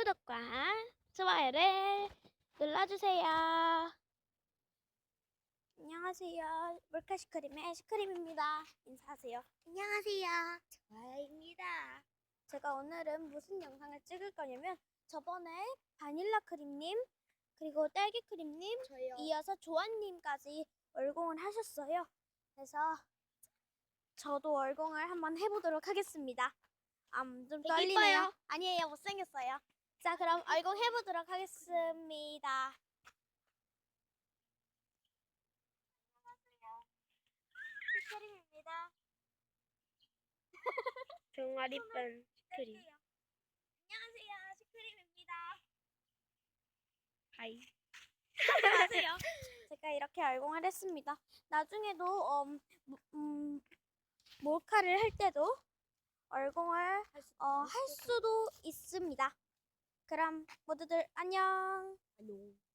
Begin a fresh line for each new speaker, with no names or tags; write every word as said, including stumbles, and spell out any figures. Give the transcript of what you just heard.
구독과 좋아요를 눌러주세요. 안녕하세요. 몰카시크림의 시크림입니다. 인사하세요.
안녕하세요. 좋아요입니다.
제가 오늘은 무슨 영상을 찍을 거냐면 저번에 바닐라 크림님 그리고 딸기 크림님
저요.
이어서 조아님까지 얼공을 하셨어요. 그래서 저도 얼공을 한번 해보도록 하겠습니다. 음, 좀
되게
떨리네요.
이뻐요.
아니에요, 못생겼어요. 자, 그럼 얼공 해보도록 하겠습니다. 시크림입니다.
종아리반 크림.
안녕하세요, 시크림입니다.
하이.
안녕하세요. 제가 이렇게 얼공을 했습니다. 나중에도 음, 음, 몰카를 할 때도 얼공을 어, 할 수도 있습니다. 그럼 모두들 안녕.
안녕.